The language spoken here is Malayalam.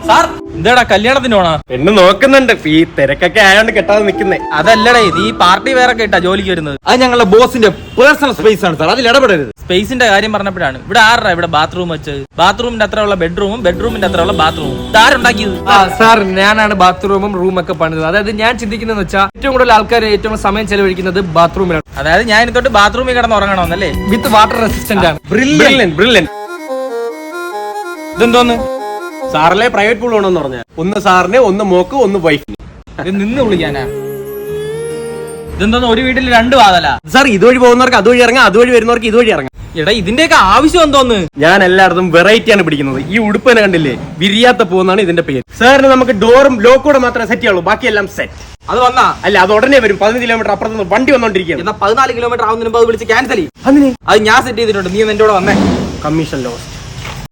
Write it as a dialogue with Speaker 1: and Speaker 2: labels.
Speaker 1: സാർ എന്താടാ കല്യാണത്തിന് പോണാ?
Speaker 2: പെണ്ണ് നോക്കുന്നുണ്ട്. ഈ തിരക്കൊക്കെ ആയോണ്ട് കെട്ടാതെ നിക്കുന്നേ.
Speaker 1: അതല്ലടേ, നീ പാർട്ടി വേറെ കേട്ടാ ജോലിക്ക് വരുന്നത്.
Speaker 3: അത് ഞങ്ങളുടെ ബോസിന്റെ പേഴ്സണൽ സ്പേസ് ആണ് സാർ, അതിൽ ഇടപെടരുത്.
Speaker 1: സ്പേസിന്റെ കാര്യം പറഞ്ഞപ്പോഴാണ് ഇവിടെ ആരുടെ ഇവിടെ ബാത്റൂം വെച്ചത്? ബാത്റൂമിന്റെ അത്ര ഉള്ള ബെഡ്റൂമും ബെഡ്റൂമിന്റെ അത്ര ഉള്ള ബാത്റൂമും ആരുണ്ടാക്കിയത്?
Speaker 4: സാർ ഞാനാണ് ബാത്റൂമും റൂമൊക്കെ പണിതത്. അതായത് ഞാൻ ചിന്തിക്കുന്നതെന്ന് വെച്ചാൽ ഏറ്റവും കൂടുതൽ ആൾക്കാർ ഏറ്റവും കൂടുതൽ സമയം ചെലവഴിക്കുന്നത് ബാത്റൂമിലാണ്.
Speaker 1: അതായത് ഞാൻ ഇനി തൊട്ട് ബാത്റൂമിൽ കിടന്ന് ഉറങ്ങണമെന്നല്ലേ?
Speaker 4: വിത്ത് വാട്ടർ റെസിസ്റ്റന്റ് ആണ്.
Speaker 2: ബ്രില്യന്റ്.
Speaker 1: ഇതെന്തോന്ന്?
Speaker 2: സാറിലെ പ്രൈവറ്റ് പൂൾ വേണമെന്ന് പറഞ്ഞ ഒന്ന് സാറിന്, ഒന്ന് മോക്ക്, ഒന്ന് വൈഫിന്.
Speaker 1: ഇത് നിന്ന് വിളിക്കാനാ? ഇതെന്തോന്ന് ഒരു വീട്ടിൽ രണ്ട് വാതല?
Speaker 2: സാർ ഇതുവഴി പോകുന്നവർക്ക് അതുവഴി ഇറങ്ങാം, അതുവഴി വരുന്നവർക്ക് ഇതുവഴി ഇറങ്ങാം.
Speaker 1: എടാ ഇതിന്റെയൊക്കെ ആവശ്യം എന്തോന്ന്?
Speaker 2: ഞാൻ എല്ലായിടത്തും വെറൈറ്റി ആണ് പിടിക്കുന്നത്. ഈ ഉടുപ്പനെ കണ്ടില്ലേ, വിരിയാത്ത പൂന്നാണ് ഇതിന്റെ പേര്. സാറിന് നമുക്ക് ഡോറും ലോക്കൂടെ മാത്രമേ സെറ്റ് ചെയ്യുള്ളൂ, ബാക്കിയെല്ലാം സെറ്റ്.
Speaker 1: അത് വന്നാ?
Speaker 2: അല്ല, അത് ഉടനെ വരും. 15 കിലോമീറ്റർ അപ്പുറത്ത് നിന്ന് വണ്ടി വന്നോണ്ടിരിക്കുകയാണ്.
Speaker 1: എന്നാ 14 കിലോമീറ്റർ ആവുന്നതിന് മുമ്പ് അത് വിളിച്ച് ക്യാൻസൽ ചെയ്യും.
Speaker 2: അതിന്
Speaker 1: അത് ഞാൻ സെറ്റ് ചെയ്തിട്ടുണ്ട്. നീ എന്റെ കൂടെ വന്നേ.
Speaker 2: Commission loss.